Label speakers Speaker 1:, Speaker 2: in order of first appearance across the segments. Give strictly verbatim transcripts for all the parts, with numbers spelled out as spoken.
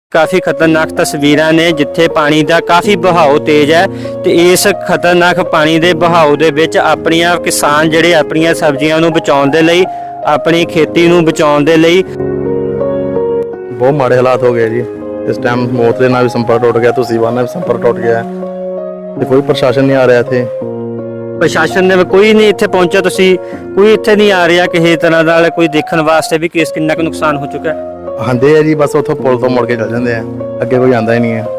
Speaker 1: काफ़ी खतरनाक तस्वीरां ने जिथे पानी का काफ़ी बहाव तेज है तो इस खतरनाक पानी के बहाव के विच अपनियां किसान जिहड़े अपनियां सब्जियां नूं बचाउण दे लई अपनी खेती नूं बचाउण दे लई
Speaker 2: बहुत माड़े हालात हो गए जी। इस टाइम मौत के नाल भी संपर्क टूट गया, तुसीबा नाल भी संपर्क टूट गया ते कोई प्रशासन नहीं आ रहा थे।
Speaker 1: प्रशासन ने कोई नहीं इत्थे पहुंचा, तुसी कोई इत्थे नहीं आ रहा किसी तरह का कोई देखने वास्ते भी कि कितना कुछ नुकसान हो चुका है।
Speaker 2: आंदे है जी, बस उतो पुल तो मुड़ के चल जाते हैं, अगे कोई आंदा ही नहीं है।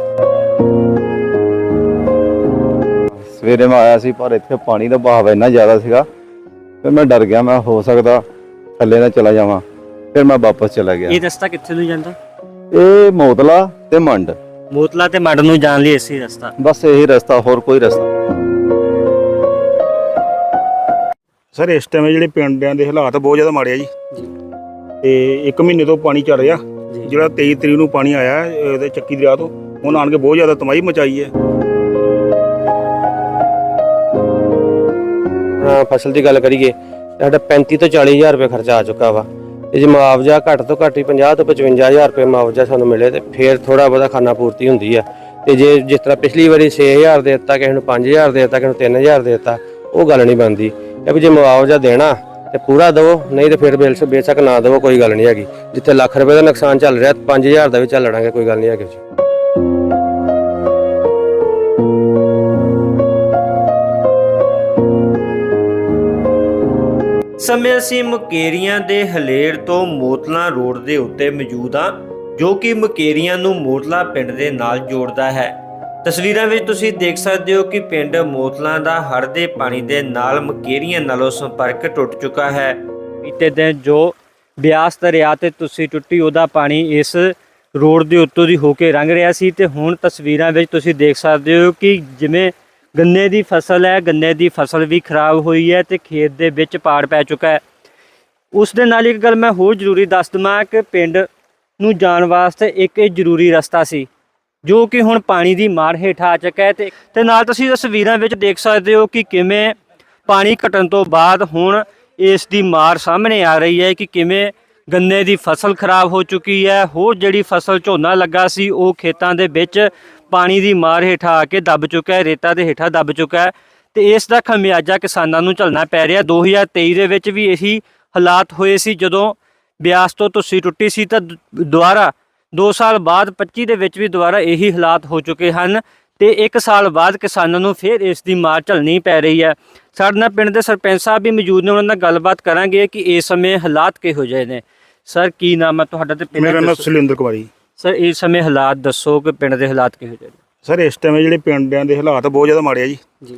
Speaker 3: सवेरे मैं आया सी पर इत्थे पानी का बहाव इन्ना ज़्यादा सीगा, फिर मैं डर गया, मैं हो सकता थल्ले ना चला जावां, फिर मैं वापस चला गया।
Speaker 1: ये रास्ता कित्थे नूं जांदा?
Speaker 3: ये मोतला ते मंड,
Speaker 1: मोतला ते मंड नूं जाण लई इसी रास्ता,
Speaker 3: बस यही रास्ता, होर कोई रास्ता।
Speaker 4: सर इस टाइम ਜਿਹੜੇ ਪਿੰਡਾਂ ਦੇ ਹਾਲਾਤ ਬਹੁਤ ਜ਼ਿਆਦਾ ਮਾੜੇ ਆ ਜੀ ਤੇ ਇੱਕ ਮਹੀਨੇ ਤੋਂ ਪਾਣੀ ਚੱਲ ਰਿਹਾ। ਜਿਹੜਾ ਤੇਈ ਤਰੀਕ ਨੂੰ ਪਾਣੀ ਆਇਆ ਇਹਦੇ ਚੱਕੀ ਦਰਿਆ ਤੋਂ, ਹੁਣ ਆਣ ਕੇ ਬਹੁਤ ਜ਼ਿਆਦਾ ਤਬਾਹੀ ਮਚਾਈ ਹੈ।
Speaker 5: ਫਸਲ ਦੀ ਗੱਲ ਕਰੀਏ ਸਾਡਾ ਪੈਂਤੀ ਤੋਂ ਚਾਲੀ ਹਜ਼ਾਰ ਰੁਪਏ ਖਰਚਾ ਆ ਚੁੱਕਾ ਵਾ ਤੇ ਜੇ ਮੁਆਵਜ਼ਾ ਘੱਟ ਤੋਂ ਘੱਟ ਹੀ ਪੰਜਾਹ ਤੋਂ ਪਚਵੰਜਾ ਹਜ਼ਾਰ ਰੁਪਏ ਮੁਆਵਜ਼ਾ ਸਾਨੂੰ ਮਿਲੇ ਤੇ ਫਿਰ ਥੋੜਾ ਬਹੁਤਾ ਖਾਣਾ ਪੂਰਤੀ ਹੁੰਦੀ ਆ। ਤੇ ਜੇ ਜਿਸ ਤਰ੍ਹਾਂ ਪਿਛਲੀ ਵਾਰੀ ਛੇ ਹਜ਼ਾਰ ਦੇ ਦਿੱਤਾ, ਕਿਸੇ ਨੂੰ ਪੰਜ ਹਜ਼ਾਰ ਦੇ ਦਿੱਤਾ, ਕਿਸੇ ਨੂੰ ਤਿੰਨ ਹਜ਼ਾਰ ਦੇ ਦਿੱਤਾ, ਉਹ ਗੱਲ ਨਹੀਂ ਬਣਦੀ। ਇਹ ਵੀ ਜੇ ਮੁਆਵਜ਼ਾ ਦੇਣਾ ਤੇ ਪੂਰਾ ਦਿਓ, ਨਹੀਂ ਤੇ ਫਿਰ ਬਿਲ ਬੇਸ਼ੱਕ ਨਾ ਦਿਓ, ਕੋਈ ਗੱਲ ਨਹੀਂ ਹੈਗੀ। ਜਿੱਥੇ ਲੱਖ ਰੁਪਏ ਦਾ ਨੁਕਸਾਨ ਚੱਲ ਰਿਹਾ ਪੰਜ ਹਜ਼ਾਰ ਦਾ ਵੀ ਚੱਲ ਲੜਾਂਗੇ, ਕੋਈ ਗੱਲ ਨਹੀਂ ਹੈਗੀ।
Speaker 1: ਸਮੇਂ ਅਸੀਂ ਮੁਕੇਰੀਆਂ ਦੇ ਹਲੇੜ ਤੋਂ ਮੋਤਲਾ ਰੋਡ ਦੇ ਉੱਤੇ ਮੌਜੂਦ ਹਾਂ, ਜੋ ਕਿ ਮੁਕੇਰੀਆਂ ਨੂੰ ਮੋਤਲਾ ਪਿੰਡ ਦੇ ਨਾਲ ਜੋੜਦਾ ਹੈ। ਤਸਵੀਰਾਂ ਵਿੱਚ ਤੁਸੀਂ ਦੇਖ ਸਕਦੇ ਹੋ ਕਿ ਪਿੰਡ ਮੋਤਲਾ ਦਾ ਹੜ੍ਹ ਦੇ ਪਾਣੀ ਦੇ ਨਾਲ ਮੁਕੇਰੀਆਂ ਨਾਲੋਂ ਸੰਪਰਕ ਟੁੱਟ ਚੁੱਕਾ ਹੈ। ਬੀਤੇ ਦਿਨ ਜੋ ਬਿਆਸ ਦਰਿਆ ਤੇ ਤੁਸੀਂ ਟੁੱਟੀ ਉਹਦਾ ਪਾਣੀ ਇਸ ਰੋਡ ਦੇ ਉੱਤੋਂ ਦੀ ਹੋ ਕੇ ਲੰਘ ਰਿਹਾ ਸੀ ਤੇ ਹੁਣ ਤਸਵੀਰਾਂ ਵਿੱਚ ਤੁਸੀਂ ਦੇਖ ਸਕਦੇ ਹੋ ਕਿ ਜਿਵੇਂ ਗੰਨੇ ਦੀ ਫਸਲ ਹੈ, ਗੰਨੇ ਦੀ ਫਸਲ ਵੀ ਖਰਾਬ ਹੋਈ ਹੈ ਤੇ ਖੇਤ ਦੇ ਵਿੱਚ ਪਾੜ ਪੈ ਚੁੱਕਾ ਹੈ। ਉਸ ਦੇ ਨਾਲ ਇੱਕ ਗੱਲ ਮੈਂ ਹੋਰ ਜ਼ਰੂਰੀ ਦੱਸ ਦਵਾਂ ਕਿ ਪਿੰਡ ਨੂੰ ਜਾਣ ਵਾਸਤੇ ਇੱਕ ਇਹ ਜ਼ਰੂਰੀ ਰਸਤਾ ਸੀ ਜੋ ਕਿ ਹੁਣ ਪਾਣੀ ਦੀ ਮਾਰ ਹੇਠ ਆ ਚੁੱਕਾ ਹੈ ਤੇ ਤੇ ਨਾਲ ਤੁਸੀਂ ਤਸਵੀਰਾਂ ਵਿੱਚ ਦੇਖ ਸਕਦੇ ਹੋ ਕਿ ਕਿਵੇਂ ਪਾਣੀ ਘਟਣ ਤੋਂ ਬਾਅਦ ਹੁਣ ਇਸ ਦੀ ਮਾਰ ਸਾਹਮਣੇ ਆ ਰਹੀ ਹੈ ਕਿ ਕਿਵੇਂ ਗੰਨੇ ਦੀ ਫਸਲ ਖਰਾਬ ਹੋ ਚੁੱਕੀ ਹੈ। ਹੋਰ ਜਿਹੜੀ ਫਸਲ ਝੋਨਾ ਲੱਗਾ ਸੀ ਉਹ ਖੇਤਾਂ ਦੇ ਵਿੱਚ ਪਾਣੀ ਦੀ ਮਾਰ ਹੇਠਾਂ ਆ ਕੇ ਦੱਬ ਚੁੱਕਾ ਹੈ, ਰੇਤਾ ਦੇ ਹੇਠਾਂ ਦੱਬ ਚੁੱਕਾ ਹੈ ਤੇ ਇਸ ਦਾ ਖਮਿਆਜਾ ਕਿਸਾਨਾਂ ਨੂੰ ਝੱਲਣਾ ਪੈ ਰਿਹਾ। ਦੋ ਹਜ਼ਾਰ ਤੇਈ ਦੇ ਵਿੱਚ ਵੀ ਇਹੀ ਹਾਲਾਤ ਹੋਏ ਸੀ ਜਦੋਂ ਬਿਆਸ ਤੋਂ ਤੁਸੀਂ ਟੁੱਟੀ ਸੀ ਤਾਂ ਦੁਬਾਰਾ ਦੋ ਸਾਲ ਬਾਅਦ ਪੱਚੀ ਦੇ ਵਿੱਚ ਵੀ ਦੁਬਾਰਾ ਇਹੀ ਹਾਲਾਤ ਹੋ ਚੁੱਕੇ ਹਨ ਤੇ ਇੱਕ ਸਾਲ ਬਾਅਦ ਕਿਸਾਨਾਂ ਨੂੰ ਫਿਰ ਇਸ ਦੀ ਮਾਰ ਝੱਲਣੀ ਪੈ ਰਹੀ ਹੈ। ਸਾਡੇ ਨਾਲ ਪਿੰਡ ਦੇ ਸਰਪੰਚ ਸਾਹਿਬ ਵੀ ਮੌਜੂਦ ਨੇ, ਉਹਨਾਂ ਨਾਲ ਗੱਲਬਾਤ ਕਰਾਂਗੇ ਕਿ ਇਸ ਸਮੇਂ ਹਾਲਾਤ ਕਿਹੋ ਜਿਹੇ ਨੇ। ਸਰ ਕੀ ਨਾਮ ਹੈ ਤੁਹਾਡਾ ਤੇ ਪਿੰਡ?
Speaker 4: ਮੇਰਾ ਨਾਮ ਸੁਲਿੰਦਰ ਕੁਮਾਰੀ।
Speaker 1: ਸਰ ਇਸ ਸਮੇਂ ਹਾਲਾਤ ਦੱਸੋ ਕਿ ਪਿੰਡ ਦੇ ਹਾਲਾਤ ਕਿਹੋ ਜਿਹੇ ਨੇ।
Speaker 4: ਸਰ ਇਸ ਟਾਈਮ ਜਿਹੜੇ ਪਿੰਡਾਂ ਦੇ ਹਾਲਾਤ ਬਹੁਤ ਜ਼ਿਆਦਾ ਮਾੜੇ ਆ ਜੀ
Speaker 1: ਜੀ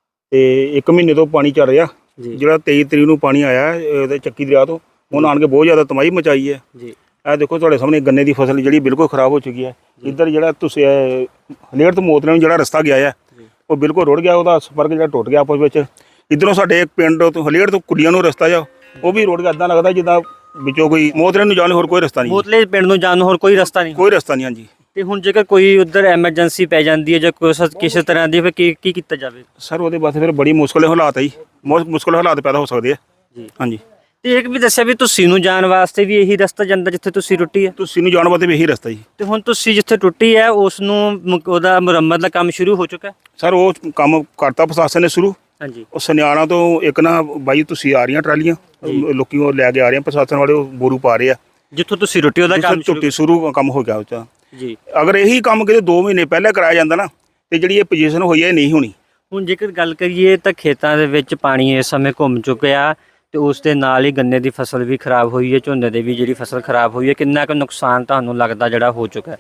Speaker 4: ਤੇ ਇੱਕ ਮਹੀਨੇ ਤੋਂ ਪਾਣੀ ਚੱਲ ਰਿਹਾ। ਜਿਹੜਾ ਤੇਈ ਤਰੀਕ ਨੂੰ ਪਾਣੀ ਆਇਆ ਇਹਦੇ ਚੱਕੀ ਦਰਿਆ ਤੋਂ, ਹੁਣ ਆਣ ਕੇ ਬਹੁਤ ਜ਼ਿਆਦਾ ਤਬਾਹੀ ਮਚਾਈ ਹੈ।
Speaker 1: ਜੀ
Speaker 4: ਇਹ ਦੇਖੋ ਤੁਹਾਡੇ ਸਾਹਮਣੇ ਗੰਨੇ ਦੀ ਫਸਲ ਜਿਹੜੀ ਬਿਲਕੁਲ ਖਰਾਬ ਹੋ ਚੁੱਕੀ ਹੈ। ਇੱਧਰ ਜਿਹੜਾ ਤੁਸੀਂ ਹਲੇੜ ਤੋਂ ਮੋਤਲੇ ਨੂੰ ਜਿਹੜਾ ਰਸਤਾ ਗਿਆ ਹੈ ਉਹ ਬਿਲਕੁਲ ਰੁੜ ਗਿਆ, ਉਹਦਾ ਸੰਪਰਕ ਜਿਹੜਾ ਟੁੱਟ ਗਿਆ ਆਪਸ ਵਿੱਚ। ਇੱਧਰੋਂ ਸਾਡੇ ਇੱਕ ਪਿੰਡ ਤੋਂ ਹਲੇੜ ਤੋਂ ਕੁੜੀਆਂ ਨੂੰ ਰਸਤਾ ਜਾ ਉਹ ਵੀ ਰੁੜ ਗਿਆ, ਇੱਦਾਂ ਲੱਗਦਾ ਜਿੱਦਾਂ ਵਿੱਚੋਂ ਕੋਈ ਮੋਤਲੇ ਨੂੰ ਜਾਣ ਹੋਰ ਕੋਈ ਰਸਤਾ ਨਹੀਂ,
Speaker 1: ਮੋਤਲੇ ਪਿੰਡ ਨੂੰ ਜਾਣ ਨੂੰ ਹੋਰ ਕੋਈ ਰਸਤਾ ਨਹੀਂ,
Speaker 4: ਕੋਈ ਰਸਤਾ ਨਹੀਂ। ਹਾਂਜੀ
Speaker 1: ਤੇ ਹੁਣ ਜੇਕਰ ਕੋਈ ਉੱਧਰ ਐਮਰਜੈਂਸੀ ਪੈ ਜਾਂਦੀ ਹੈ ਜਾਂ ਕੁਛ ਕਿਸੇ ਤਰ੍ਹਾਂ ਦੀ ਫਿਰ ਕੀ ਕੀ ਕੀਤਾ ਜਾਵੇ?
Speaker 4: ਸਰ ਉਹਦੇ ਵਾਸਤੇ ਫਿਰ ਬੜੀ ਮੁਸ਼ਕਲ ਹਾਲਾਤ ਹੈ ਜੀ, ਬਹੁਤ ਮੁਸ਼ਕਲ ਹਾਲਾਤ ਪੈਦਾ ਹੋ ਸਕਦੇ ਆ
Speaker 1: ਜੀ।
Speaker 4: ਹਾਂਜੀ
Speaker 1: ਤੇ ਇੱਕ ਵੀ ਦੱਸਿਆ ਵੀ ਤੁਸੀਂ ਨੂੰ ਜਾਣ ਵਾਸਤੇ ਵੀ ਇਹੀ ਰਸਤਾ ਜਾਂਦਾ ਜਿੱਥੇ ਤੁਸੀਂ ਟੁੱਟੀ ਹੈ?
Speaker 4: ਤੁਸੀਂ ਨੂੰ ਜਾਣ ਵਾਸਤੇ ਵੀ ਇਹੀ ਰਸਤਾ ਜੀ।
Speaker 1: ਤੇ ਹੁਣ ਤੁਸੀਂ ਜਿੱਥੇ ਟੁੱਟੀ ਹੈ ਉਸ ਨੂੰ ਮੁਕ- ਉਹਦਾ ਮੁਰੰਮਤ ਦਾ ਕੰਮ ਸ਼ੁਰੂ ਹੋ ਚੁੱਕਾ ਹੈ?
Speaker 4: ਸਰ ਉਹ ਕੰਮ ਕਰਤਾ ਪ੍ਰਸ਼ਾਸਨ ਨੇ ਸ਼ੁਰੂ।
Speaker 1: ਹਾਂਜੀ
Speaker 4: ਉਹ ਸੁਨਿਆਣਾ ਤੋਂ ਇੱਕ ਨਾ ਬਾਈ ਤੁਸੀਂ ਆ ਰਹੀਆਂ ਟਰਾਲੀਆਂ, ਲੋਕੀ ਉਹ ਲੈ ਕੇ ਆ ਰਹੇ ਆ, ਪ੍ਰਸ਼ਾਸਨ ਵਾਲੇ ਉਹ ਬੋਰੂ ਪਾ ਰਹੇ ਆ।
Speaker 1: ਜਿੱਥੋਂ ਤੁਸੀਂ ਟੁੱਟੀ ਉਹਦਾ ਕੰਮ ਸ਼ੁਰੂ
Speaker 4: ਟੁੱਟੀ ਸ਼ੁਰੂ ਕੰਮ ਹੋ ਗਿਆ ਉਹ 'ਚ।
Speaker 1: ਜੀ
Speaker 4: ਅਗਰ ਇਹੀ ਕੰਮ ਕਿਤੇ ਦੋ ਮਹੀਨੇ ਪਹਿਲਾਂ ਕਰਾਇਆ ਜਾਂਦਾ ਨਾ ਤੇ ਜਿਹੜੀ ਇਹ ਪੋਜੀਸ਼ਨ ਹੋਈ ਹੈ ਇਹ ਨਹੀਂ ਹੋਣੀ।
Speaker 1: ਹੁਣ ਜੇਕਰ ਗੱਲ ਕਰੀਏ ਤਾਂ ਖੇਤਾਂ ਦੇ ਵਿੱਚ ਪਾਣੀ ਇਸ ਸਮੇਂ ਘੁੰਮ ਚੁੱਕਿਆ ਤੇ ਉਸ ਦੇ ਨਾਲ ਹੀ ਗੰਨੇ ਦੀ ਫਸਲ ਵੀ ਖਰਾਬ ਹੋਈ ਹੈ, ਝੋਨੇ ਦੀ ਵੀ ਜਿਹੜੀ ਫਸਲ ਖਰਾਬ ਹੋਈ ਹੈ। ਕਿੰਨਾ ਕੁ ਨੁਕਸਾਨ ਤੁਹਾਨੂੰ ਲੱਗਦਾ ਜਿਹੜਾ ਹੋ ਚੁੱਕਾ ਹੈ?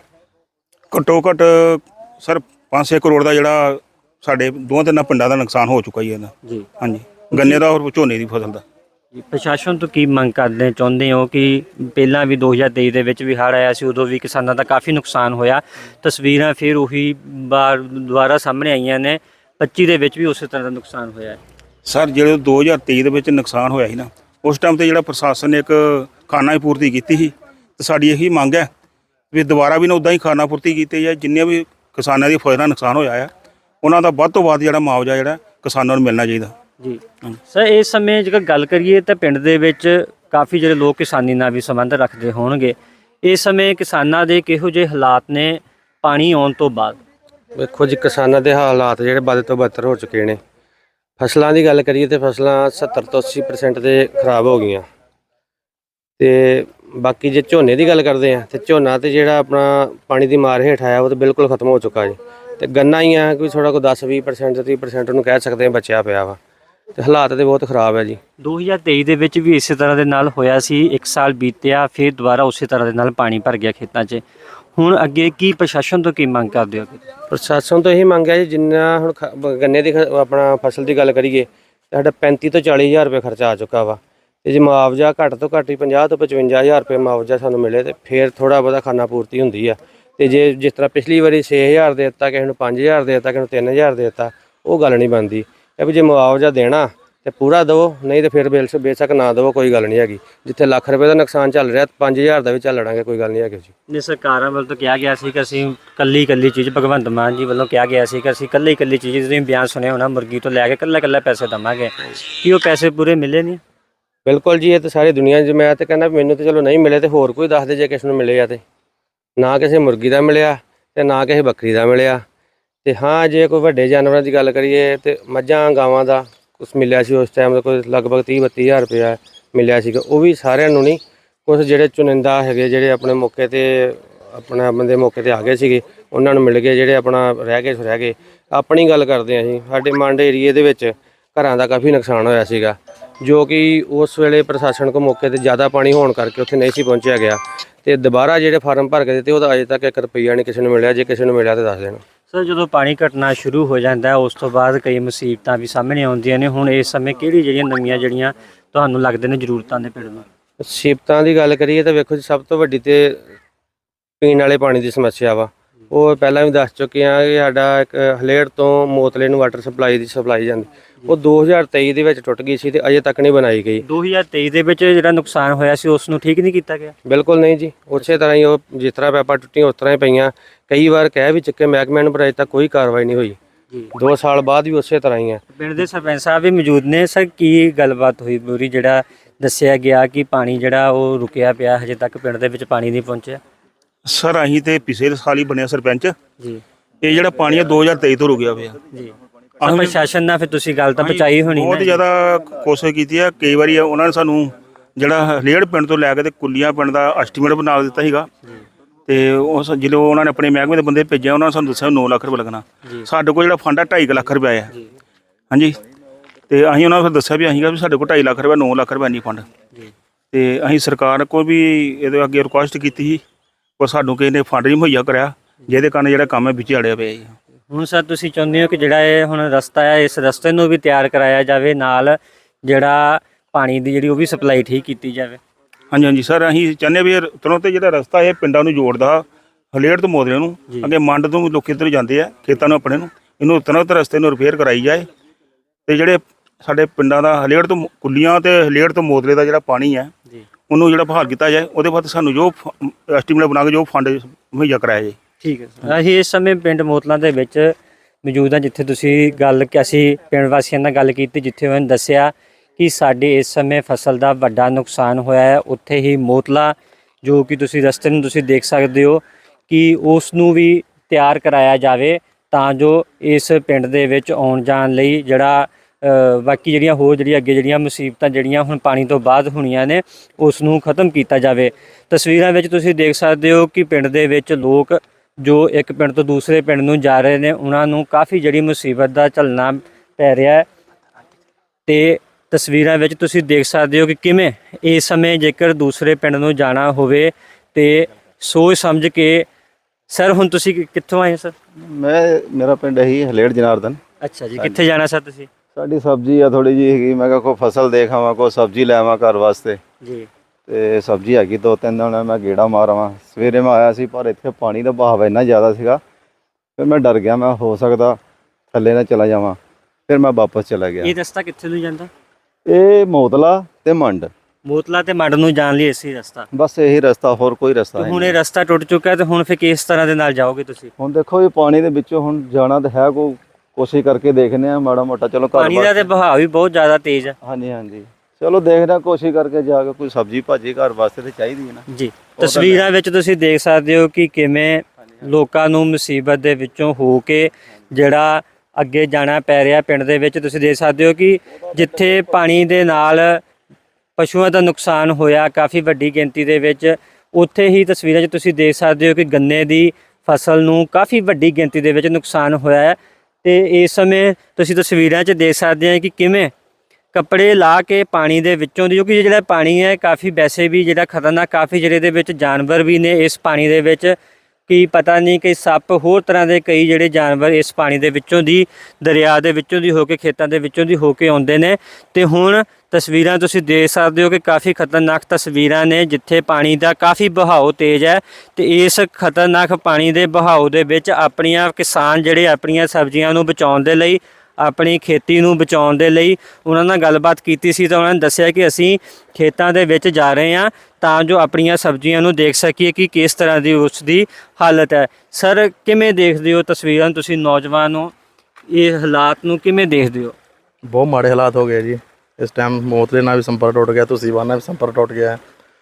Speaker 4: ਘੱਟੋ ਘੱਟ ਸਰ ਪੰਜ ਛੇ ਕਰੋੜ ਦਾ ਜਿਹੜਾ ਸਾਡੇ ਦੋਵਾਂ ਤਿੰਨਾਂ ਪਿੰਡਾਂ ਦਾ ਨੁਕਸਾਨ ਹੋ ਚੁੱਕਾ ਜੀ ਇਹਦਾ।
Speaker 1: ਜੀ
Speaker 4: ਹਾਂਜੀ ਗੰਨੇ ਦਾ ਔਰ ਝੋਨੇ ਦੀ ਫਸਲ ਦਾ।
Speaker 1: ਜੀ ਪ੍ਰਸ਼ਾਸਨ ਤੋਂ ਕੀ ਮੰਗ ਕਰਦੇ ਚਾਹੁੰਦੇ ਹੋ ਕਿ ਪਹਿਲਾਂ ਵੀ ਦੋ ਹਜ਼ਾਰ ਤੇਈ ਦੇ ਵਿੱਚ ਵੀ ਹੜ੍ਹ ਆਇਆ ਸੀ, ਉਦੋਂ ਵੀ ਕਿਸਾਨਾਂ ਦਾ ਕਾਫੀ ਨੁਕਸਾਨ ਹੋਇਆ, ਤਸਵੀਰਾਂ ਫਿਰ ਉਹੀ ਬਾਰ ਦੁਬਾਰਾ ਸਾਹਮਣੇ ਆਈਆਂ ਨੇ, ਪੱਚੀ ਦੇ ਵਿੱਚ ਵੀ ਉਸੇ ਤਰ੍ਹਾਂ ਦਾ ਨੁਕਸਾਨ ਹੋਇਆ ਹੈ।
Speaker 4: ਸਰ ਜਿਹੜੇ ਦੋ ਹਜ਼ਾਰ ਤੇਈ ਦੇ ਵਿੱਚ ਨੁਕਸਾਨ ਹੋਇਆ ਸੀ ਨਾ, ਉਸ ਟਾਈਮ ਤੇ ਜਿਹੜਾ ਪ੍ਰਸ਼ਾਸਨ ਨੇ ਇੱਕ ਖਾਨਾ ਦੀ ਪੂਰਤੀ ਕੀਤੀ ਸੀ ਤੇ ਸਾਡੀ ਇਹੀ ਮੰਗ ਹੈ ਵੀ ਦੁਬਾਰਾ ਵੀ ਨਾ ਉੱਦਾਂ ਹੀ ਖਾਨਾ ਪੂਰਤੀ ਕੀਤੀ ਜਾਏ। ਜਿੰਨੇ ਵੀ ਕਿਸਾਨਾਂ ਦੀ ਫਸਲਾਂ ਦਾ ਨੁਕਸਾਨ ਹੋਇਆ ਆ ਉਹਨਾਂ ਦਾ ਵੱਧ ਤੋਂ ਵੱਧ ਜਿਹੜਾ ਮੁਆਵਜ਼ਾ ਜਿਹੜਾ ਕਿਸਾਨਾਂ ਨੂੰ ਮਿਲਣਾ ਚਾਹੀਦਾ
Speaker 1: ਜੀ। ਸਰ ਇਸ ਸਮੇਂ ਜੇਕਰ ਗੱਲ ਕਰੀਏ ਤਾਂ ਪਿੰਡ ਦੇ ਵਿੱਚ ਕਾਫੀ ਜਿਹੜੇ ਲੋਕ ਕਿਸਾਨੀ ਨਾਲ ਵੀ ਸੰਬੰਧ ਰੱਖਦੇ ਹੋਣਗੇ, ਇਸ ਸਮੇਂ ਕਿਸਾਨਾਂ ਦੇ ਕਿਹੋ ਜਿਹੇ ਹਾਲਾਤ ਨੇ ਪਾਣੀ ਆਉਣ ਤੋਂ ਬਾਅਦ?
Speaker 5: ਵੇਖੋ ਜੀ, ਕਿਸਾਨਾਂ ਦੇ ਹਾਲਾਤ ਜਿਹੜੇ ਵੱਧ ਤੋਂ ਬੱਤਰ ਹੋ ਚੁੱਕੇ ਨੇ। ਫਸਲਾਂ ਦੀ ਗੱਲ ਕਰੀਏ ਤੇ ਫਸਲਾਂ ਸੱਤਰ ਤੋਂ ਅੱਸੀ ਪਰਸੈਂਟ ਤੇ ਖਰਾਬ ਹੋ ਗਈਆਂ, ਤੇ ਬਾਕੀ ਜੇ ਝੋਨੇ ਦੀ ਗੱਲ ਕਰਦੇ ਆ ਤੇ ਝੋਨਾ ਤੇ ਜਿਹੜਾ ਆਪਣਾ ਪਾਣੀ ਦੀ ਮਾਰ ਹੇਠ ਆਇਆ ਉਹ ਤੇ ਬਿਲਕੁਲ ਖਤਮ ਹੋ ਚੁੱਕਾ ਜੀ। ਤੇ ਗੰਨਾ ਹੀ ਆ ਕੋਈ ਥੋੜਾ ਕੋ ਦਸ ਵੀਹ ਪਰਸੈਂਟ ਤੀਹ ਪਰਸੈਂਟ ਨੂੰ ਕਹਿ ਸਕਦੇ ਆ ਬਚਿਆ ਪਿਆ ਵਾ, ਤੇ ਹਾਲਾਤ ਤੇ ਬਹੁਤ ਖਰਾਬ ਹੈ ਜੀ।
Speaker 1: ਦੋ ਹਜ਼ਾਰ ਤੇਈ ਦੇ ਵਿੱਚ ਵੀ ਇਸੇ ਤਰ੍ਹਾਂ ਦੇ ਨਾਲ ਹੋਇਆ ਸੀ, ਇੱਕ ਸਾਲ ਬੀਤਿਆ ਫਿਰ ਦੁਬਾਰਾ ਉਸੇ ਤਰ੍ਹਾਂ ਦੇ ਨਾਲ ਪਾਣੀ ਭਰ ਗਿਆ ਖੇਤਾਂ 'ਚ। ਹੁਣ ਅੱਗੇ ਕੀ ਪ੍ਰਸ਼ਾਸਨ ਤੋਂ ਕੀ ਮੰਗ ਕਰਦੇ ਹੋ?
Speaker 5: ਪ੍ਰਸ਼ਾਸਨ ਤੋਂ ਇਹੀ ਮੰਗਿਆ ਜੀ, ਜਿੰਨਾ ਹੁਣ ਖ- ਬ- ਗੰਨੇ ਦੀ ਖ- ਆਪਣਾ ਫਸਲ ਦੀ ਗੱਲ ਕਰੀਏ ਸਾਡਾ ਪੈਂਤੀ ਤੋਂ ਚਾਲੀ ਹਜ਼ਾਰ ਰੁਪਏ ਖਰਚਾ ਆ ਚੁੱਕਾ ਵਾ, ਤੇ ਜੇ ਮੁਆਵਜ਼ਾ ਘੱਟ ਤੋਂ ਘੱਟ ਹੀ ਪੰਜਾਹ ਤੋਂ ਪਚਵੰਜਾ ਹਜ਼ਾਰ ਰੁਪਏ ਮੁਆਵਜ਼ਾ ਸਾਨੂੰ ਮਿਲੇ ਤੇ ਫਿਰ ਥੋੜਾ ਬਹੁਤਾ ਖਾਣਾ ਪੂਰਤੀ ਹੁੰਦੀ ਆ। ਤੇ ਜੇ ਜਿਸ ਤਰ੍ਹਾਂ ਪਿਛਲੀ ਵਾਰੀ ਛੇ ਹਜ਼ਾਰ ਦੇ ਦਿੱਤਾ, ਕਿਸੇ ਨੂੰ ਪੰਜ ਹਜ਼ਾਰ ਦੇ ਦਿੱਤਾ, ਕਿਸੇ ਨੂੰ ਤਿੰਨ ਹਜ਼ਾਰ ਦੇ ਦਿੱਤਾ, ਉਹ ਗੱਲ ਨਹੀਂ ਬਣਦੀ। ਇਹ ਵੀ ਜੇ ਮੁਆਵਜ਼ਾ ਦੇਣਾ ਤੇ ਪੂਰਾ ਦਿਓ, ਨਹੀਂ ਤੇ ਫਿਰ ਬੇਲਸ ਬੇਸ਼ੱਕ ਨਾ ਦਿਓ, ਕੋਈ ਗੱਲ ਨਹੀਂ ਹੈਗੀ। ਜਿੱਥੇ ਲੱਖ ਰੁਪਏ ਦਾ ਨੁਕਸਾਨ ਚੱਲ ਰਿਹਾ ਪੰਜ ਹਜ਼ਾਰ ਦਾ ਵੀ ਚੱਲ ਲੜਾਂਗੇ, ਕੋਈ ਗੱਲ ਨਹੀਂ ਹੈਗੀ ਜੀ।
Speaker 1: ਨੇ ਸਰਕਾਰਾਂ ਵੱਲੋਂ ਤਾਂ ਕਿਹਾ ਗਿਆ ਸੀ ਕਿ ਅਸੀਂ ਕੱਲੀ ਕੱਲੀ ਚੀਜ਼, ਭਗਵੰਤ ਮਾਨ ਜੀ ਵੱਲੋਂ ਕਿਹਾ ਗਿਆ ਸੀ ਕਿ ਅਸੀਂ ਕੱਲੀ ਕੱਲੀ ਚੀਜ਼, ਤੁਸੀਂ ਬਿਆਨ ਸੁਣਿਆ ਹੋਣਾ, ਮੁਰਗੀ ਤੋਂ ਲੈ ਕੇ ਕੱਲਾ ਕੱਲਾ ਪੈਸੇ ਦੇਵਾਂਗੇ। ਕੀ ਉਹ ਪੈਸੇ ਪੂਰੇ ਮਿਲੇ ਨਹੀਂ?
Speaker 5: ਬਿਲਕੁਲ ਜੀ, ਇਹ ਤਾਂ ਸਾਰੀ ਦੁਨੀਆ 'ਚ, ਮੈਂ ਤਾਂ ਕਹਿੰਦਾ ਮੈਨੂੰ ਤਾਂ ਚਲੋ ਨਹੀਂ ਮਿਲੇ ਤੇ ਹੋਰ ਕੋਈ ਦੱਸ ਦੇ ਜੇ ਕਿਸੇ ਨੂੰ ਮਿਲੇ ਆ ਤੇ। ਨਾ ਕਿਸੇ ਮੁਰਗੀ ਦਾ ਮਿਲਿਆ ਤੇ ਨਾ ਕਿਸੇ ਬੱਕਰੀ ਦਾ ਮਿਲਿਆ। ਤੇ ਹਾਂ, ਜੇ ਕੋਈ ਵੱਡੇ ਜਾਨਵਰਾਂ ਦੀ ਗੱਲ ਕਰੀਏ ਤੇ ਮੱਝਾਂ ਗਾਵਾਂ ਦਾ ਕੁਛ ਮਿਲਿਆ ਸੀ ਉਸ ਟਾਈਮ ਦਾ, ਕੋਈ ਲਗਭਗ ਤੀਹ ਬੱਤੀ ਹਜ਼ਾਰ ਰੁਪਇਆ ਮਿਲਿਆ ਸੀਗਾ। ਉਹ ਵੀ ਸਾਰਿਆਂ ਨੂੰ ਨਹੀਂ, ਕੁਛ ਜਿਹੜੇ ਚੁਣਿੰਦਾ ਹੈਗੇ ਜਿਹੜੇ ਆਪਣੇ ਮੌਕੇ ਤੇ ਆਪਣਾ ਬੰਦੇ ਮੌਕੇ ਤੇ ਆ ਗਏ ਸੀਗੇ ਉਹਨਾਂ ਨੂੰ ਮਿਲ ਗਏ, ਜਿਹੜੇ ਆਪਣਾ ਰਹਿ ਗਏ ਸੋ ਰਹਿ ਗਏ। ਆਪਣੀ ਗੱਲ ਕਰਦੇ ਹਾਂ ਅਸੀਂ, ਸਾਡੇ ਮੰਡ ਏਰੀਏ ਦੇ ਵਿੱਚ ਘਰਾਂ ਦਾ ਕਾਫੀ ਨੁਕਸਾਨ ਹੋਇਆ ਸੀਗਾ, ਜੋ ਕਿ ਉਸ ਵੇਲੇ ਪ੍ਰਸ਼ਾਸਨ ਕੋ ਮੌਕੇ ਤੇ ਜ਼ਿਆਦਾ ਪਾਣੀ ਹੋਣ ਕਰਕੇ ਉੱਥੇ ਨਹੀਂ ਸੀ ਪਹੁੰਚਿਆ ਗਿਆ। ਤੇ ਦੁਬਾਰਾ ਜਿਹੜੇ ਫਾਰਮ ਭਰ ਕੇ ਦਿੱਤੇ ਉਹਦਾ ਅਜੇ ਤੱਕ ਇੱਕ ਰੁਪਈਆ ਨਹੀਂ ਕਿਸੇ ਨੂੰ ਮਿਲਿਆ। ਜੇ ਕਿਸੇ ਨੂੰ ਮਿਲਿਆ ਤਾਂ ਦੱਸ ਦੇਣਾ।
Speaker 1: ਸਰ, ਜਦੋਂ ਪਾਣੀ ਘਟਣਾ ਸ਼ੁਰੂ ਹੋ ਜਾਂਦਾ ਉਸ ਤੋਂ ਬਾਅਦ ਕਈ ਮੁਸੀਬਤਾਂ ਵੀ ਸਾਹਮਣੇ ਆਉਂਦੀਆਂ ਨੇ। ਹੁਣ ਇਸ ਸਮੇਂ ਕਿਹੜੀ ਜਿਹੜੀਆਂ ਨਵੀਆਂ ਜਿਹੜੀਆਂ ਤੁਹਾਨੂੰ ਲੱਗਦੇ ਨੇ ਜ਼ਰੂਰਤਾਂ ਦੇ ਪਿੰਡ ਨੂੰ?
Speaker 5: ਮੁਸੀਬਤਾਂ ਦੀ ਗੱਲ ਕਰੀਏ ਤਾਂ ਵੇਖੋ ਜੀ, ਸਭ ਤੋਂ ਵੱਡੀ ਤੇ ਪੀਣ ਵਾਲੇ ਪਾਣੀ ਦੀ ਸਮੱਸਿਆ ਵਾ। ਉਹ ਪਹਿਲਾਂ ਵੀ ਦੱਸ ਚੁੱਕੇ ਹਾਂ ਕਿ ਸਾਡਾ ਇੱਕ ਹਲੇੜ ਤੋਂ ਮੋਤਲੇ ਨੂੰ ਵਾਟਰ ਸਪਲਾਈ ਦੀ ਸਪਲਾਈ ਜਾਂਦੀ, ਉਹ ਦੋ ਹਜ਼ਾਰ ਤੇਈ ਦੇ ਵਿੱਚ ਟੁੱਟ ਗਈ ਸੀ ਤੇ ਅਜੇ ਤੱਕ ਨਹੀਂ ਬਣਾਈ ਗਈ।
Speaker 1: ਦੋ ਹਜ਼ਾਰ ਤੇਈ ਦੇ ਵਿੱਚ ਜਿਹੜਾ ਨੁਕਸਾਨ ਹੋਇਆ ਸੀ ਉਸ ਨੂੰ ਠੀਕ ਨਹੀਂ ਕੀਤਾ ਗਿਆ?
Speaker 5: ਬਿਲਕੁਲ ਨਹੀਂ ਜੀ, ਉਸੇ ਤਰ੍ਹਾਂ ਹੀ ਉਹ ਜਿਸ ਤਰ੍ਹਾਂ ਪੈਪਾਂ ਟੁੱਟੀਆਂ ਉਸ ਤਰ੍ਹਾਂ ਹੀ ਪਈਆਂ। ਕਈ ਵਾਰ ਕਹਿ ਵੀ ਚੁੱਕੇ ਮਹਿਕਮੇ ਨੂੰ, ਪਰ ਅਜੇ ਤੱਕ ਕੋਈ ਕਾਰਵਾਈ ਨਹੀਂ ਹੋਈ। ਦੋ ਸਾਲ ਬਾਅਦ ਵੀ ਉਸੇ ਤਰ੍ਹਾਂ ਹੀ ਹੈ।
Speaker 1: ਪਿੰਡ ਦੇ ਸਰਪੰਚ ਸਾਹਿਬ ਵੀ ਮੌਜੂਦ ਨੇ। ਸਰ, ਕੀ ਗੱਲਬਾਤ ਹੋਈ ਪੂਰੀ, ਜਿਹੜਾ ਦੱਸਿਆ ਗਿਆ ਕਿ ਪਾਣੀ ਜਿਹੜਾ ਉਹ ਰੁਕਿਆ ਪਿਆ, ਹਜੇ ਤੱਕ ਪਿੰਡ ਦੇ ਵਿੱਚ ਪਾਣੀ ਨਹੀਂ ਪਹੁੰਚਿਆ?
Speaker 4: ਸਰ, ਅਸੀਂ ਤੇ ਪਿਛਲੇ ਸਾਲ ਹੀ ਬਣਿਆ ਸਰਪੰਚ।
Speaker 1: ਜੀ।
Speaker 4: ਇਹ ਜਿਹੜਾ ਪਾਣੀ ਆ ਦੋ ਹਜ਼ਾਰ ਤੇਈ ਤੋਂ ਰੁਕਿਆ ਪਿਆ
Speaker 1: ਜੀ। ਸਰ, ਪ੍ਰਸ਼ਾਸਨ ਨਾਲ ਫਿਰ ਤੁਸੀਂ ਗੱਲ ਤਾਂ ਪਹੁੰਚਾਈ ਹੋਣੀ
Speaker 4: ਬਹੁਤ
Speaker 1: ਨਾ?
Speaker 4: ਜ਼ਿਆਦਾ ਕੋਸ਼ਿਸ਼ ਕੀਤੀ ਆ। ਕਈ ਵਾਰੀ ਉਹਨਾਂ ਨੇ ਸਾਨੂੰ ਜਿਹੜਾ ਹਲੇੜ ਪਿੰਡ ਤੋਂ ਲੈ ਕੇ ਤੇ ਕੁੱਲੀਆਂ ਪਿੰਡ ਦਾ ਐਸਟੀਮੇਟ ਬਣਾ ਦਿੱਤਾ ਸੀਗਾ, ਤੇ ਉਸ ਜਦੋਂ ਉਹਨਾਂ ਨੇ ਆਪਣੇ ਮਹਿਕਮੇ ਦੇ ਬੰਦੇ ਭੇਜਿਆ ਉਹਨਾਂ ਨੇ ਸਾਨੂੰ ਦੱਸਿਆ ਨੌ ਲੱਖ ਰੁਪਏ ਲੱਗਣਾ। ਸਾਡੇ ਕੋਲ ਜਿਹੜਾ ਫੰਡ ਆ ਢਾਈ ਕੁ ਲੱਖ ਰੁਪਏ ਆਇਆ। ਹਾਂਜੀ, ਤੇ ਅਸੀਂ ਉਹਨਾਂ ਨੂੰ ਫਿਰ ਦੱਸਿਆ ਵੀ ਅਸੀਂ ਕਿਹਾ ਵੀ ਸਾਡੇ ਕੋਲ ਢਾਈ ਲੱਖ ਰੁਪਏ ਨੌ ਲੱਖ ਰੁਪਏ ਨਹੀਂ ਫੰਡ। ਤੇ ਅਸੀਂ ਸਰਕਾਰ ਕੋਲ ਵੀ ਇਹਦੇ ਅੱਗੇ ਰਿਕੁਐਸਟ ਕੀਤੀ ਸੀ, ਪਰ ਸਾਨੂੰ ਕਿਸੇ ਨੇ ਫੰਡ ਨਹੀਂ ਮੁਹੱਈਆ ਕਰਿਆ, ਜਿਹਦੇ ਕਾਰਨ ਜਿਹੜਾ ਕੰਮ ਹੈ ਵਿੱਚ ਅੜਿਆ ਪਿਆ ਜੀ।
Speaker 1: ਹੁਣ ਸਰ, ਤੁਸੀਂ ਚਾਹੁੰਦੇ ਹੋ ਕਿ ਜਿਹੜਾ ਇਹ ਹੁਣ ਰਸਤਾ ਹੈ, ਇਸ ਰਸਤੇ ਨੂੰ ਵੀ ਤਿਆਰ ਕਰਾਇਆ ਜਾਵੇ, ਨਾਲ ਜਿਹੜਾ ਪਾਣੀ ਦੀ ਜਿਹੜੀ ਉਹ ਵੀ ਸਪਲਾਈ ਠੀਕ ਕੀਤੀ ਜਾਵੇ?
Speaker 4: ਹਾਂਜੀ ਹਾਂਜੀ ਸਰ, ਅਸੀਂ ਚਾਹੁੰਦੇ ਵੀ ਤਰ੍ਹਾਂ ਤੇ ਜਿਹੜਾ ਰਸਤਾ ਇਹ ਪਿੰਡਾਂ ਨੂੰ ਜੋੜਦਾ ਹਲੇੜ ਤੋਂ ਮੋਦਰੇ ਨੂੰ, ਅੱਗੇ ਮੰਡ ਤੋਂ ਵੀ ਲੋਕ ਇੱਧਰ ਜਾਂਦੇ ਆ ਖੇਤਾਂ ਨੂੰ ਆਪਣੇ ਨੂੰ, ਇਹਨੂੰ ਤਰ੍ਹਾਂ ਤੇ ਰਸਤੇ ਨੂੰ ਰਿਪੇਅਰ ਕਰਾਈ ਜਾਏ। ਤੇ ਜਿਹੜੇ ਸਾਡੇ ਪਿੰਡਾਂ ਦਾ ਹਲੇੜ ਤੋਂ ਕੁੱਲੀਆਂ ਤੇ ਹਲੇੜ ਤੋਂ ਮੋਦਰੇ ਦਾ ਜਿਹੜਾ ਪਾਣੀ ਹੈ ਉਹਨੂੰ ਜਿਹੜਾ ਬਹਾਲ ਕੀਤਾ ਜਾਏ, ਉਹਦੇ ਬਾਅਦ ਸਾਨੂੰ ਜੋ ਐਸਟੀਮੇਟ ਬਣਾ ਕੇ ਜੋ ਫੰਡ ਮੁਹੱਈਆ ਕਰਾਇਆ ਜਾਏ। ਠੀਕ ਹੈ ਸਰ।
Speaker 1: ਅਸੀਂ ਇਸ ਸਮੇਂ ਪਿੰਡ ਮੋਤਲਾਂ ਦੇ ਵਿੱਚ ਮੌਜੂਦ ਹਾਂ, ਜਿੱਥੇ ਤੁਸੀਂ ਗੱਲ ਕਿ ਅਸੀਂ ਪਿੰਡ ਵਾਸੀਆਂ ਨਾਲ ਗੱਲ ਕੀਤੀ, ਜਿੱਥੇ ਉਹਨਾਂ ਨੇ ਦੱਸਿਆ ਕਿ ਸਾਡੇ ਇਸ ਸਮੇਂ ਫਸਲ ਦਾ ਵੱਡਾ ਨੁਕਸਾਨ ਹੋਇਆ ਹੈ। ਉੱਥੇ ਹੀ ਮੋਤਲਾ ਜੋ ਕਿ ਤੁਸੀਂ ਰਸਤੇ ਨੂੰ ਤੁਸੀਂ ਦੇਖ ਸਕਦੇ ਹੋ ਕਿ ਉਸ ਨੂੰ ਵੀ ਤਿਆਰ ਕਰਾਇਆ ਜਾਵੇ, ਤਾਂ ਜੋ ਇਸ ਪਿੰਡ ਦੇ ਵਿੱਚ ਆਉਣ ਜਾਣ ਲਈ ਜਿਹੜਾ ਬਾਕੀ ਜਿਹੜੀਆਂ ਹੋਰ ਜਿਹੜੀਆਂ ਅੱਗੇ ਜਿਹੜੀਆਂ ਮੁਸੀਬਤਾਂ ਜਿਹੜੀਆਂ ਹੁਣ ਪਾਣੀ ਤੋਂ ਬਾਅਦ ਹੋਣੀਆਂ ਨੇ ਉਸ ਨੂੰ ਖਤਮ ਕੀਤਾ ਜਾਵੇ। ਤਸਵੀਰਾਂ ਵਿੱਚ ਤੁਸੀਂ ਦੇਖ ਸਕਦੇ ਹੋ ਕਿ ਪਿੰਡ ਦੇ ਵਿੱਚ ਲੋਕ ਜੋ ਇੱਕ ਪਿੰਡ ਤੋਂ ਦੂਸਰੇ ਪਿੰਡ ਨੂੰ ਜਾ ਰਹੇ ਨੇ, ਉਹਨਾਂ ਨੂੰ ਕਾਫੀ ਜਿਹੜੀ ਮੁਸੀਬਤ ਦਾ ਝੱਲਣਾ ਪੈ ਰਿਹਾ ਹੈ। ਤੇ ਤਸਵੀਰਾਂ ਵਿੱਚ ਤੁਸੀਂ ਦੇਖ ਸਕਦੇ ਹੋ ਕਿ ਕਿਵੇਂ ਇਸ ਸਮੇਂ ਜੇਕਰ ਦੂਸਰੇ ਪਿੰਡ ਨੂੰ ਜਾਣਾ ਹੋਵੇ ਤੇ ਸੋਚ ਸਮਝ ਕੇ। ਸਰ, ਹੁਣ ਤੁਸੀਂ ਕਿੱਥੋਂ ਆਏ ਸਰ?
Speaker 3: ਮੈਂ ਮੇਰਾ ਪਿੰਡ ਇਹੀ ਹਲੇੜ ਜਨਾਰਦਨ।
Speaker 1: ਅੱਛਾ ਜੀ, ਕਿੱਥੇ ਜਾਣਾ ਸਰ ਤੁਸੀਂ?
Speaker 3: ਸਾਡੀ ਸਬਜ਼ੀ ਆ ਥੋੜੀ ਜਿਹੀ ਹੈਗੀ, ਮੈਂ ਕਿਹਾ ਕੋਈ ਫਸਲ ਦੇਖ ਆਵਾਂ, ਕੋਈ ਸਬਜ਼ੀ ਲੈ ਆਵਾਂ ਘਰ ਵਾਸਤੇ।
Speaker 1: ਜੀ।
Speaker 3: ਤੇ ਸਬਜ਼ੀ ਹੈਗੀ ਦੋ ਤਿੰਨ ਦਿਨ, ਮੈਂ ਗੇੜਾ ਮਾਰਾਵਾਂ। ਸਵੇਰੇ ਮੈਂ ਆਇਆ ਸੀ ਪਰ ਇੱਥੇ ਪਾਣੀ ਦਾ ਬਹਾਵ ਇੰਨਾ ਜ਼ਿਆਦਾ ਸੀਗਾ, ਫਿਰ ਮੈਂ ਡਰ ਗਿਆ, ਮੈਂ ਹੋ ਸਕਦਾ ਥੱਲੇ ਨਾ ਚਲਾ ਜਾਵਾਂ, ਫਿਰ ਮੈਂ ਵਾਪਸ ਚਲਾ ਗਿਆ।
Speaker 1: ਇਹ ਰਸਤਾ ਕਿੱਥੇ ਨੂੰ ਜਾਂਦਾ?
Speaker 3: ਇਹ ਮੋਤਲਾ ਤੇ ਮੰਡ।
Speaker 1: ਮੋਤਲਾ ਤੇ ਮੰਡ ਨੂੰ ਜਾਣ ਲਈ ਇਸੇ ਰਸਤਾ?
Speaker 3: ਬਸ ਇਹੀ ਰਸਤਾ, ਹੋਰ ਕੋਈ ਰਸਤਾ
Speaker 1: ਹੁਣ ਇਹ ਰਸਤਾ ਟੁੱਟ ਚੁੱਕਾ ਤੇ ਹੁਣ ਫਿਰ ਕਿਸ ਤਰ੍ਹਾਂ ਦੇ ਨਾਲ ਜਾਓਗੇ ਤੁਸੀਂ?
Speaker 3: ਹੁਣ ਦੇਖੋ ਇਹ ਪਾਣੀ ਦੇ ਵਿੱਚੋਂ ਹੁਣ ਜਾਣਾ ਤਾਂ ਹੈ, ਕੋਈ ਕੋਸ਼ਿਸ਼ ਕਰਕੇ ਦੇਖਦੇ ਆ ਮਾੜਾ ਮੋਟਾ। ਚਲੋ ਘਰ
Speaker 1: ਪਾਣੀ ਦਾ ਤੇ ਬਹਾਅ ਵੀ ਬਹੁਤ ਜ਼ਿਆਦਾ ਤੇਜ਼ ਹੈ।
Speaker 3: ਹਾਂਜੀ ਹਾਂਜੀ, ਚਲੋ ਦੇਖਦੇ ਹਾਂ, ਕੋਸ਼ਿਸ਼ ਕਰਕੇ ਜਾ ਕੇ ਕੋਈ ਸਬਜ਼ੀ ਭਾਜੀ ਘਰ ਵਾਸਤੇ ਤੇ ਚਾਹੀਦੀ ਹੈ ਨਾ।
Speaker 1: ਜੀ ਤਸਵੀਰਾਂ ਵਿੱਚ ਤੁਸੀਂ ਦੇਖ ਸਕਦੇ ਹੋ ਕਿ ਕਿਵੇਂ ਲੋਕਾਂ ਨੂੰ ਮੁਸੀਬਤ ਦੇ ਵਿੱਚੋਂ ਹੋ ਕੇ ਜਿਹੜਾ ਅੱਗੇ ਜਾਣਾ ਪੈ ਰਿਹਾ ਪਿੰਡ ਦੇ ਵਿੱਚ। ਤੁਸੀਂ ਦੇਖ ਸਕਦੇ ਹੋ ਕਿ ਜਿੱਥੇ ਪਾਣੀ ਦੇ ਨਾਲ ਪਸ਼ੂਆਂ ਦਾ ਨੁਕਸਾਨ ਹੋਇਆ ਕਾਫੀ ਵੱਡੀ ਗਿਣਤੀ ਦੇ ਵਿੱਚ, ਉੱਥੇ ਹੀ ਤਸਵੀਰਾਂ 'ਚ ਤੁਸੀਂ ਦੇਖ ਸਕਦੇ ਹੋ ਕਿ ਗੰਨੇ ਦੀ ਫਸਲ ਨੂੰ ਕਾਫੀ ਵੱਡੀ ਗਿਣਤੀ ਦੇ ਵਿੱਚ ਨੁਕਸਾਨ ਹੋਇਆ ਹੈ। ਤੇ ਇਸ ਸਮੇਂ ਤੁਸੀਂ ਤਸਵੀਰਾਂ 'ਚ ਦੇਖ ਸਕਦੇ ਹੋ ਕਿ ਕਿਵੇਂ ਕੱਪੜੇ ਲਾ ਕੇ ਪਾਣੀ ਦੇ ਵਿੱਚੋਂ ਦੀ, ਕਿਉਂਕਿ ਜਿਹੜਾ ਪਾਣੀ ਹੈ ਕਾਫੀ ਵੈਸੇ ਵੀ ਜਿਹੜਾ ਖਤਰਨਾਕ, ਕਾਫੀ ਜਿਹੜੇ ਦੇ ਵਿੱਚ ਜਾਨਵਰ ਵੀ ਨੇ ਇਸ ਪਾਣੀ ਦੇ ਵਿੱਚ, ਕੀ ਪਤਾ ਨਹੀਂ ਕਿ ਸੱਪ ਹੋਰ ਤਰ੍ਹਾਂ ਦੇ ਕਈ ਜਿਹੜੇ ਜਾਨਵਰ ਇਸ ਪਾਣੀ ਦੇ ਵਿੱਚੋਂ ਦੀ, ਦਰਿਆ ਦੇ ਵਿੱਚੋਂ ਦੀ ਹੋ ਕੇ, ਖੇਤਾਂ ਦੇ ਵਿੱਚੋਂ ਦੀ ਹੋ ਕੇ ਆਉਂਦੇ ਨੇ। ਤੇ ਹੁਣ ਤਸਵੀਰਾਂ ਤੁਸੀਂ ਦੇਖ ਸਕਦੇ ਹੋ ਕਿ ਕਾਫੀ ਖਤਰਨਾਕ ਤਸਵੀਰਾਂ ਨੇ, ਜਿੱਥੇ ਪਾਣੀ ਦਾ ਕਾਫੀ ਬਹਾਓ ਤੇਜ਼ ਹੈ ਤੇ ਇਸ ਖਤਰਨਾਕ ਪਾਣੀ ਦੇ ਬਹਾਓ ਦੇ ਵਿੱਚ ਆਪਣੀਆਂ ਕਿਸਾਨ ਜਿਹੜੇ ਆਪਣੀਆਂ ਸਬਜ਼ੀਆਂ ਨੂੰ ਬਚਾਉਣ ਦੇ ਲਈ, ਆਪਣੀ ਖੇਤੀ ਨੂੰ ਬਚਾਉਣ ਦੇ ਲਈ ਉਹਨਾਂ ਨਾਲ ਗੱਲਬਾਤ ਕੀਤੀ ਸੀ ਤਾਂ ਉਹਨਾਂ ਨੇ ਦੱਸਿਆ ਕਿ ਅਸੀਂ ਖੇਤਾਂ ਦੇ ਵਿੱਚ ਜਾ ਰਹੇ ਹਾਂ ਤਾਂ ਜੋ ਆਪਣੀਆਂ ਸਬਜ਼ੀਆਂ ਨੂੰ ਦੇਖ ਸਕੀਏ ਕਿ ਕਿਸ ਤਰ੍ਹਾਂ ਦੀ ਉਸ ਦੀ ਹਾਲਤ ਹੈ। ਸਰ ਕਿਵੇਂ ਦੇਖਦੇ ਹੋ ਤਸਵੀਰਾਂ ਨੂੰ, ਤੁਸੀਂ ਨੌਜਵਾਨ ਹੋ, ਇਹ ਹਾਲਾਤ ਨੂੰ ਕਿਵੇਂ ਦੇਖਦੇ ਹੋ?
Speaker 2: ਬਹੁਤ ਮਾੜੇ ਹਾਲਾਤ ਹੋ ਗਏ ਜੀ। ਇਸ ਟਾਈਮ ਮੋਤਲੇ ਨਾਲ ਵੀ ਸੰਪਰਕ ਟੁੱਟ ਗਿਆ, ਤੁਸੀਂ ਨਾਲ ਵੀ ਸੰਪਰਕ ਟੁੱਟ ਗਿਆ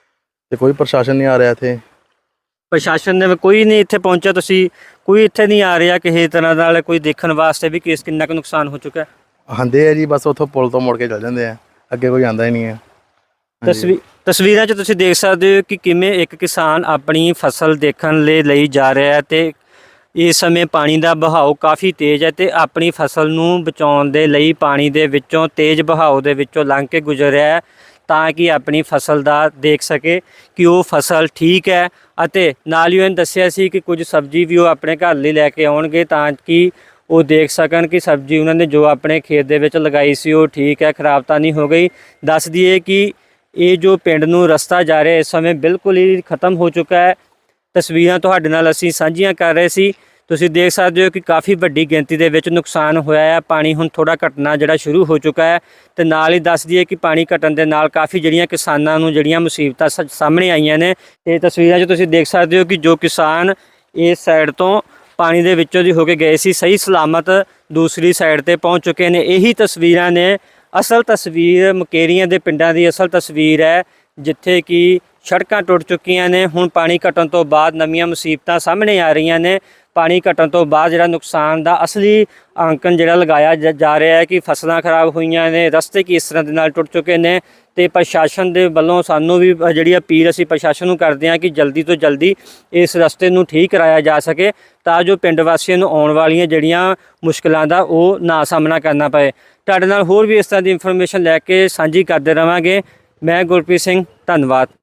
Speaker 2: ਤੇ ਕੋਈ ਪ੍ਰਸ਼ਾਸਨ ਨਹੀਂ ਆ ਰਿਹਾ ਇੱਥੇ।
Speaker 1: ਪ੍ਰਸ਼ਾਸਨ ਨੇ ਕੋਈ ਨਹੀਂ ਇੱਥੇ ਪਹੁੰਚਿਆ, ਤੁਸੀਂ ਕੋਈ ਇੱਥੇ ਨਹੀਂ ਆ ਰਿਹਾ ਕਿਸੇ ਤਰ੍ਹਾਂ ਨਾਲ ਕੋਈ ਦੇਖਣ ਵਾਸਤੇ ਵੀ ਕਿਸ ਕਿੰਨਾ ਕੁ ਨੁਕਸਾਨ ਹੋ ਚੁੱਕਾ ਹੈ?
Speaker 2: ਆਉਂਦੇ ਆ ਜੀ, ਬਸ ਉੱਥੋਂ ਪੁਲ ਤੋਂ ਮੁੜ ਕੇ ਚੱਲ ਜਾਂਦੇ ਆ, ਅੱਗੇ ਕੋਈ ਆਉਂਦਾ ਹੀ ਨਹੀਂ ਹੈ।
Speaker 1: ਤਸਵੀਰ ਤਸਵੀਰਾਂ 'ਚ ਤੁਸੀਂ ਦੇਖ ਸਕਦੇ ਹੋ ਕਿ ਕਿਵੇਂ ਇੱਕ ਕਿਸਾਨ ਆਪਣੀ ਫਸਲ ਦੇਖਣ ਲਈ ਲਈ ਜਾ ਰਿਹਾ ਹੈ ਤੇ ਇਸ ਸਮੇਂ ਪਾਣੀ ਦਾ ਬਹਾਓ ਕਾਫੀ ਤੇਜ਼ ਹੈ ਤੇ ਆਪਣੀ ਫਸਲ ਨੂੰ ਬਚਾਉਣ ਦੇ ਲਈ ਪਾਣੀ ਦੇ ਵਿੱਚੋਂ, ਤੇਜ਼ ਬਹਾਓ ਦੇ ਵਿੱਚੋਂ ਲੰਘ ਕੇ ਗੁਜ਼ਰ ਰਿਹਾ ਹੈ ਤਾਂ ਕਿ ਆਪਣੀ ਫਸਲ ਦਾ ਦੇਖ ਸਕੇ ਕਿ ਉਹ ਫਸਲ ਠੀਕ ਹੈ। ਅਤੇ ਨਾਲ ਹੀ ਉਹਨੇ ਦੱਸਿਆ ਸੀ ਕਿ ਕੁਝ ਸਬਜ਼ੀ ਵੀ ਉਹ ਆਪਣੇ ਘਰ ਲਈ ਲੈ ਕੇ ਆਉਣਗੇ ਤਾਂ ਕਿ ਉਹ ਦੇਖ ਸਕਣ ਕਿ ਸਬਜ਼ੀ ਉਹਨਾਂ ਨੇ ਜੋ ਆਪਣੇ ਖੇਤ ਦੇ ਵਿੱਚ ਲਗਾਈ ਸੀ ਉਹ ਠੀਕ ਹੈ, ਖਰਾਬ ਤਾਂ ਨਹੀਂ ਹੋ ਗਈ। ਦੱਸ ਦਈਏ ਕਿ ਇਹ ਜੋ ਪਿੰਡ ਨੂੰ ਰਸਤਾ ਜਾ ਰਿਹਾ ਇਸ ਸਮੇਂ ਬਿਲਕੁਲ ਹੀ ਖਤਮ ਹੋ ਚੁੱਕਾ ਹੈ। ਤਸਵੀਰਾਂ ਤੁਹਾਡੇ ਨਾਲ ਅਸੀਂ ਸਾਂਝੀਆਂ ਕਰ ਰਹੇ ਸੀ। ਤੁਸੀਂ ਦੇਖ ਸਕਦੇ ਹੋ ਕਿ ਕਾਫੀ ਵੱਡੀ ਗਿਣਤੀ ਦੇ ਵਿੱਚ ਨੁਕਸਾਨ ਹੋਇਆ ਹੈ। ਪਾਣੀ ਹੁਣ ਥੋੜਾ ਘਟਣਾ ਜਿਹੜਾ ਸ਼ੁਰੂ ਹੋ ਚੁੱਕਾ ਹੈ ਤੇ ਨਾਲ ਹੀ ਦੱਸ ਦਈਏ ਕਿ ਪਾਣੀ ਘਟਣ ਦੇ ਨਾਲ ਕਾਫੀ ਜਿਹੜੀਆਂ ਕਿਸਾਨਾਂ ਨੂੰ ਜਿਹੜੀਆਂ ਮੁਸੀਬਤਾਂ ਸ- ਸਾਹਮਣੇ ਆਈਆਂ ਨੇ। ਤੇ ਤਸਵੀਰਾਂ 'ਚ ਤੁਸੀਂ ਦੇਖ ਸਕਦੇ ਹੋ ਕਿ ਜੋ ਕਿਸਾਨ ਇਸ ਸਾਈਡ ਤੋਂ ਪਾਣੀ ਦੇ ਵਿੱਚੋਂ ਦੀ ਹੋ ਕੇ ਗਏ ਸੀ, ਸਹੀ ਸਲਾਮਤ ਦੂਸਰੀ ਸਾਈਡ ਤੇ ਪਹੁੰਚ ਚੁੱਕੇ ਨੇ। ਇਹੀ ਤਸਵੀਰਾਂ ਨੇ ਅਸਲ ਤਸਵੀਰ ਮੁਕੇਰੀਆਂ ਦੇ ਪਿੰਡਾਂ ਦੀ ਅਸਲ ਤਸਵੀਰ ਹੈ, ਜਿੱਥੇ ਕਿ ਸੜਕਾਂ ਟੁੱਟ ਚੁੱਕੀਆਂ ਨੇ। ਹੁਣ ਪਾਣੀ ਘਟਣ ਤੋਂ ਬਾਅਦ ਨਵੀਆਂ ਮੁਸੀਬਤਾਂ ਸਾਹਮਣੇ ਆ ਰਹੀਆਂ ਨੇ। ਪਾਣੀ ਘਟਣ ਤੋਂ ਬਾਅਦ ਜਿਹੜਾ ਨੁਕਸਾਨ ਦਾ ਅਸਲੀ ਅੰਕਨ ਜਿਹੜਾ ਲਗਾਇਆ ਜ- ਜਾ ਰਿਹਾ ਹੈ ਕਿ ਫਸਲਾਂ ਖਰਾਬ ਹੋਈਆਂ ਨੇ, ਰਸਤੇ ਕਿਸ ਤਰ੍ਹਾਂ ਦੇ ਨਾਲ ਟੁੱਟ ਚੁੱਕੇ ਨੇ। ਤੇ ਪ੍ਰਸ਼ਾਸਨ ਦੇ ਵੱਲੋਂ ਸਾਨੂੰ ਵੀ ਅ, ਜਿਹੜੀ ਅਪੀਲ ਅਸੀਂ ਪ੍ਰਸ਼ਾਸਨ ਨੂੰ ਕਰਦੇ ਹਾਂ ਕਿ ਜਲਦੀ ਤੋਂ ਜਲਦੀ ਇਸ ਰਸਤੇ ਨੂੰ ਠੀਕ ਕਰਾਇਆ ਜਾ ਸਕੇ ਤਾਂ ਜੋ ਪਿੰਡ ਵਾਸੀਆਂ ਨੂੰ ਆਉਣ ਵਾਲੀਆਂ ਜਿਹੜੀਆਂ ਮੁਸ਼ਕਲਾਂ ਦਾ ਉਹ ਨਾ ਸਾਹਮਣਾ ਕਰਨਾ ਪਏ। ਤੁਹਾਡੇ ਨਾਲ ਹੋਰ ਵੀ ਇਸ ਤਰ੍ਹਾਂ ਦੀ ਇਨਫੋਰਮੇਸ਼ਨ ਲੈ ਕੇ ਸਾਂਝੀ ਕਰਦੇ ਰਵਾਂਗੇ। ਮੈਂ ਗੁਰਪ੍ਰੀਤ ਸਿੰਘ, ਧੰਨਵਾਦ।